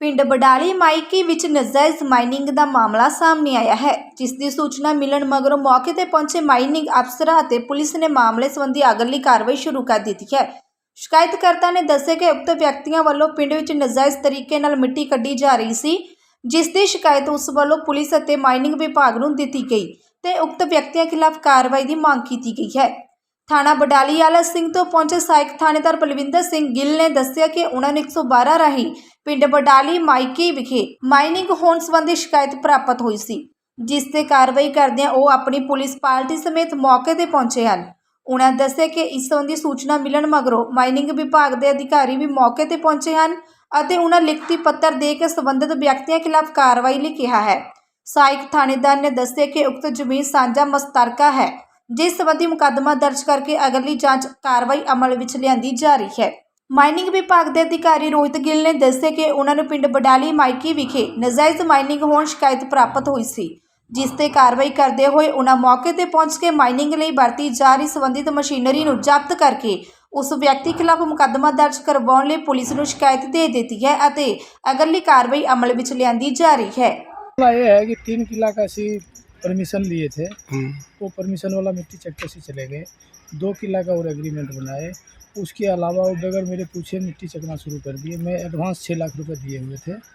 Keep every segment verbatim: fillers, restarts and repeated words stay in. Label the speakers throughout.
Speaker 1: ਪਿੰਡ ਬਡਾਲੀ ਮਾਈਕੀ ਵਿੱਚ ਨਜਾਇਜ਼ ਮਾਈਨਿੰਗ ਦਾ ਮਾਮਲਾ ਸਾਹਮਣੇ ਆਇਆ ਹੈ, ਜਿਸ ਦੀ ਸੂਚਨਾ ਮਿਲਣ ਮਗਰੋਂ ਮੌਕੇ ਤੇ ਪਹੁੰਚੇ ਮਾਈਨਿੰਗ ਅਫਸਰਾਂ ਅਤੇ ਪੁਲਿਸ ਨੇ ਮਾਮਲੇ ਸੰਬੰਧੀ ਅਗਲੀ ਕਾਰਵਾਈ ਸ਼ੁਰੂ ਕਰ ਦਿੱਤੀ ਹੈ। ਸ਼ਿਕਾਇਤਕਰਤਾ ਨੇ ਦੱਸਿਆ ਕਿ ਉਕਤ ਵਿਅਕਤੀਆਂ ਵੱਲੋਂ ਪਿੰਡ ਵਿੱਚ ਨਜਾਇਜ਼ ਤਰੀਕੇ ਨਾਲ ਮਿੱਟੀ ਕੱਢੀ ਜਾ ਰਹੀ ਸੀ, ਜਿਸ ਦੀ ਸ਼ਿਕਾਇਤ ਉਸ ਵੱਲੋਂ ਪੁਲਿਸ ਅਤੇ ਮਾਈਨਿੰਗ ਵਿਭਾਗ ਨੂੰ ਦਿੱਤੀ ਗਈ ਤੇ ਉਕਤ ਵਿਅਕਤੀਆਂ ਖਿਲਾਫ ਕਾਰਵਾਈ ਦੀ ਮੰਗ ਕੀਤੀ ਗਈ ਹੈ। ਥਾਣਾ ਬਡਾਲੀ ਆਲਾ ਸਿੰਘ ਤੋਂ ਪਹੁੰਚੇ ਸਹਾਇਕ ਥਾਣੇਦਾਰ ਬਲਵਿੰਦਰ ਸਿੰਘ ਗਿੱਲ ਨੇ ਦੱਸਿਆ ਕਿ ਉਹਨਾਂ ਨੂੰ ਇੱਕ ਸੌ ਬਾਰਾਂ ਰਾਹੀਂ ਪਿੰਡ ਬਡਾਲੀ ਮਾਈਕੀ ਵਿਖੇ ਮਾਈਨਿੰਗ ਹੋਣ ਸੰਬੰਧੀ ਸ਼ਿਕਾਇਤ ਪ੍ਰਾਪਤ ਹੋਈ ਸੀ, ਜਿਸ ਤੇ ਕਾਰਵਾਈ ਕਰਦਿਆਂ ਉਹ ਆਪਣੀ ਪੁਲਿਸ ਪਾਰਟੀ ਸਮੇਤ ਮੌਕੇ ਤੇ ਪਹੁੰਚੇ ਹਨ। ਉਹਨਾਂ ਦੱਸਿਆ ਕਿ ਇਸ ਸੰਬੰਧੀ ਸੂਚਨਾ ਮਿਲਣ ਮਗਰੋਂ ਮਾਈਨਿੰਗ ਵਿਭਾਗ ਦੇ ਅਧਿਕਾਰੀ ਵੀ ਮੌਕੇ ਤੇ ਪਹੁੰਚੇ ਹਨ ਅਤੇ ਉਹਨਾਂ ਲਿਖਤੀ ਪੱਤਰ ਦੇ ਕੇ ਸੰਬੰਧਿਤ ਵਿਅਕਤੀਆਂ ਖਿਲਾਫ ਕਾਰਵਾਈ ਲਈ ਕਿਹਾ ਹੈ। ਸਹਾਇਕ ਥਾਣੇਦਾਰ ਨੇ ਦੱਸਿਆ ਕਿ ਉਕਤ ਜ਼ਮੀਨ ਸਾਂਝਾ ਮਸਤਰਕਾ ਹੈ, ਜਿਸ ਸੰਬੰਧੀ ਮੁਕੱਦਮਾ ਦਰਜ ਕਰਕੇ ਅਗਲੀ ਜਾਂਚ ਕਾਰਵਾਈ ਅਮਲ ਵਿੱਚ ਲਿਆਂਦੀ ਜਾ ਰਹੀ ਹੈ। ਮਾਈਨਿੰਗ ਵਿਭਾਗ ਦੇ ਅਧਿਕਾਰੀ ਰੋਹਿਤ ਗਿੱਲ ਨੇ ਦੱਸਿਆ ਕਿ ਉਹਨਾਂ ਨੂੰ ਪਿੰਡ ਬਡਾਲੀ ਮਾਈਕੀ ਵਿਖੇ ਨਜਾਇਜ਼ ਮਾਈਨਿੰਗ ਹੋਣ ਸ਼ਿਕਾਇਤ ਪ੍ਰਾਪਤ ਹੋਈ ਸੀ, ਜਿਸ ਤੇ ਕਾਰਵਾਈ ਕਰਦੇ ਹੋਏ ਉਹਨਾਂ ਮੌਕੇ ਤੇ ਪਹੁੰਚ ਕੇ ਮਾਈਨਿੰਗ ਲਈ ਵਰਤੀ ਜਾ ਰਹੀ ਸੰਬੰਧਿਤ ਮਸ਼ੀਨਰੀ ਨੂੰ ਜ਼ਬਤ ਕਰਕੇ ਉਸ ਵਿਅਕਤੀ ਖਿਲਾਫ ਮੁਕੱਦਮਾ ਦਰਜ ਕਰਵਾਉਣ ਲਈ ਪੁਲਿਸ ਨੂੰ ਸ਼ਿਕਾਇਤ ਦੇ ਦਿੱਤੀ ਹੈ ਅਤੇ ਅਗਲੀ ਕਾਰਵਾਈ ਅਮਲ ਵਿੱਚ ਲਿਆਂਦੀ ਜਾ ਰਹੀ ਹੈ।
Speaker 2: ये है कि तीन किला का सी परमिशन लिए थे, वो परमिशन वाला मिट्टी चक्के से चले गए। दो किला का और एग्रीमेंट बनाए, उसके अलावा वो बगैर मेरे पूछे मिट्टी चकना शुरू कर दिए। मैं एडवांस छः लाख रुपए दिए हुए थे,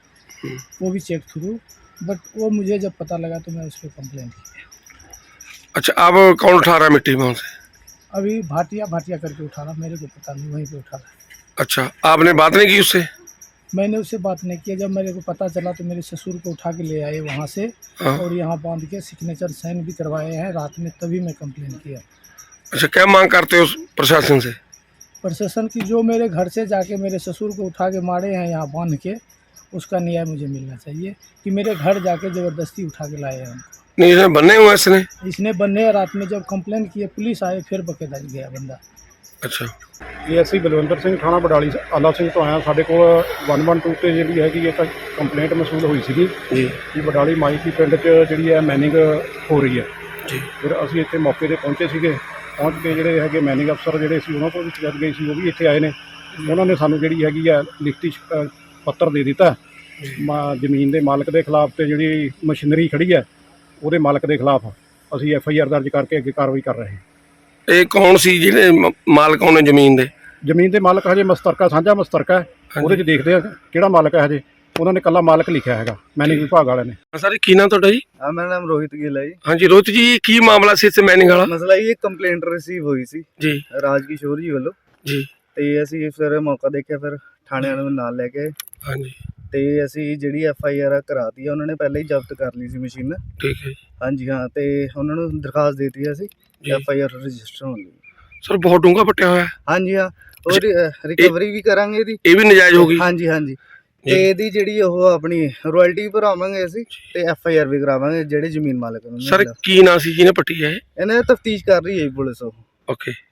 Speaker 2: वो भी चेक थ्रू, बट वो मुझे जब पता लगा तो मैं उस पर कंप्लेन की।
Speaker 3: अच्छा, अब कौन उठा रहा है मिट्टी वहाँ से?
Speaker 2: अभी भाटिया भाटिया करके उठा रहा, मेरे को पता नहीं, वहीं पे उठा रहा।
Speaker 3: अच्छा, आपने बात नहीं की उससे?
Speaker 2: मैंने उससे बात नहीं किया। जब मेरे को पता चला तो मेरे ससुर को उठा के ले आए वहाँ से और यहाँ बांध के सिग्नेचर साइन भी करवाए हैं रात में, तभी मैं कंप्लेन किया।
Speaker 3: अच्छा, क्या मांग करते हो प्रशासन से?
Speaker 2: प्रशासन की जो मेरे घर से जाके मेरे ससुर को उठा के मारे हैं यहाँ बांध के, उसका न्याय मुझे मिलना चाहिए कि मेरे घर जाके ज़बरदस्ती उठा के लाए हैं।
Speaker 3: नहीं, इसने बनने हुआ इसने
Speaker 2: इसने बनने रात में जब कंप्लेन किए, पुलिस आए, फिर बकेदा गया बंदा।
Speaker 3: अच्छा,
Speaker 4: ਇਹ ਅਸੀਂ ਬਲਵਿੰਦਰ ਸਿੰਘ ਥਾਣਾ ਬਡਾਲੀ ਆਲਾ ਸਿੰਘ ਤੋਂ ਆਇਆ। ਸਾਡੇ ਕੋਲ ਇੱਕ ਸੌ ਬਾਰਾਂ ਤੇ ਜਿਹੜੀ ਹੈਗੀ ਇੱਕ ਕੰਪਲੇਂਟ ਮਸੂਲ ਹੋਈ ਸੀਗੀ
Speaker 3: ਜੀ
Speaker 4: ਕਿ ਬਡਾਲੀ ਮਾਈਕੀ ਪਿੰਡ 'ਚ ਜਿਹੜੀ ਹੈ ਮੈਨਿੰਗ ਹੋ ਰਹੀ ਹੈ
Speaker 3: ਜੀ।
Speaker 4: ਫਿਰ ਅਸੀਂ ਇੱਥੇ ਮੌਕੇ 'ਤੇ ਪਹੁੰਚੇ ਸੀਗੇ। ਪਹੁੰਚ ਕੇ ਜਿਹੜੇ ਹੈਗੇ ਮੈਨਿੰਗ ਅਫਸਰ ਜਿਹੜੇ ਸੀ ਉਹਨਾਂ ਕੋਲ ਵੀ ਸ਼ਿਕਾਇਤ ਗਈ ਸੀ, ਉਹ ਵੀ ਇੱਥੇ ਆਏ ਨੇ। ਉਹਨਾਂ ਨੇ ਸਾਨੂੰ ਜਿਹੜੀ ਹੈਗੀ ਹੈ ਲਿਖਤੀ ਪੱਤਰ ਦੇ ਦਿੱਤਾ ਜ਼ਮੀਨ ਦੇ ਮਾਲਕ ਦੇ ਖਿਲਾਫ, ਤੇ ਜਿਹੜੀ ਮਸ਼ੀਨਰੀ ਖੜੀ ਹੈ ਉਹਦੇ ਮਾਲਕ ਦੇ ਖਿਲਾਫ ਅਸੀਂ ਐਫ ਆਈ ਆਰ ਦਰਜ ਕਰਕੇ ਅੱਗੇ ਕਾਰਵਾਈ ਕਰ ਰਹੇ ਹਾਂ।
Speaker 3: ਇਹ ਕੌਣ ਸੀ ਜਿਹੜੇ ਮ- ਮਾਲਕ ਹੋਣੇ ਜ਼ਮੀਨ ਦੇ?
Speaker 4: ਜ਼ਮੀਨ ਦੇ ਮਾਲਕ ਹਜੇ ਮਸਤਰਕਾ ਸਾਂਝਾ ਮਸਤਰਕਾ ਹੈ, ਉਹਦੇ 'ਚ ਦੇਖਦੇ ਆ ਕਿਹੜਾ ਮਾਲਕ ਹੈ। ਹਜੇ ਉਹਨਾਂ ਨੇ ਇਕੱਲਾ ਮਾਲਕ ਲਿਖਿਆ ਹੈਗਾ ਮੈਨਿੰਗ ਵਿਭਾਗ ਵਾਲਿਆਂ ਨੇ।
Speaker 3: ਸਰ, ਕੀ ਨਾਮ ਤੁਹਾਡਾ ਜੀ?
Speaker 5: हाँ, मेरा नाम रोहित गिल है जी।
Speaker 3: ਹਾਂਜੀ ਰੋਹਿਤ ਜੀ, ਕੀ ਮਾਮਲਾ ਸੀ ਇੱਥੇ ਮੈਨਿੰਗ ਵਾਲਾ?
Speaker 5: ਮਸਲਾ ਇਹ ਕੰਪਲੇਂਟ ਰਿਸੀਵ ਹੋਈ ਸੀ
Speaker 3: ਜੀ
Speaker 5: ਰਾਜਕਿਸ਼ੋਰ ਜੀ ਵੱਲੋਂ,
Speaker 3: ਜੀ
Speaker 5: ਤੇ ਅਸੀਂ ਫਿਰ ਮੌਕਾ ਦੇਖਿਆ, ਫਿਰ ਥਾਣੇ ਵਾਲਿਆਂ ਨੂੰ ਨਾਲ ਲੈ ਕੇ ਆਏ
Speaker 3: ਹਾਂਜੀ,
Speaker 5: ਤੇ ਅਸੀਂ ਜਿਹੜੀ ਐਫ ਆਈ ਆਰ ਕਰਾਤੀ ਆ। ਉਹਨਾਂ ਨੇ ਪਹਿਲਾਂ ਹੀ ਜ਼ਬਤ ਕਰ ਲਈ ਸੀ ਮਸ਼ੀਨ।
Speaker 3: ਠੀਕ ਹੈ ਜੀ।
Speaker 5: ਹਾਂਜੀ ਹਾਂ, ਤੇ ਉਹਨਾਂ ਨੂੰ ਦਰਖਾਸਤ ਦੇ ਦਿੱਤੀ ਅਸੀਂ
Speaker 3: ਜੀ।
Speaker 5: ਐਫ ਆਈ ਆਰ ਰਜਿਸਟਰ ਹੋਣ ਲਈ।
Speaker 3: ਸਰ, ਬਹੁਤ ਡੂੰਘਾ ਪੱਟਿਆ ਹੋਇਆ।
Speaker 5: ਹਾਂਜੀ ਹਾਂ, ਔਰ ਰਿਕਵਰੀ ਵੀ ਕਰਾਂਗੇ ਇਹਦੀ।
Speaker 3: ਇਹ ਵੀ ਨਜਾਇਜ਼ ਹੋ ਗਈ?
Speaker 5: ਹਾਂਜੀ ਹਾਂਜੀ, ਤੇ ਇਹਦੀ ਜਿਹੜੀ ਉਹ ਆਪਣੀ ਰਾਇਲਟੀ ਭਰਾਵਾਂਗੇ ਅਸੀਂ, ਤੇ ਐਫ ਆਈ ਆਰ ਵੀ ਕਰਾਵਾਂਗੇ ਜਿਹੜੇ ਜ਼ਮੀਨ ਮਾਲਕ ਨੂੰ।
Speaker 3: ਸਰ, ਕੀ ਨਾਂ ਸੀ ਜਿਹਨੇ ਪੱਟੀ ਹੈ?
Speaker 5: ਇਹਨਾਂ ਤਫਤੀਸ਼ ਕਰ ਰਹੀ ਹੈ ਜੀ ਪੁਲਿਸ। ਉਹ
Speaker 3: ਓਕੇ।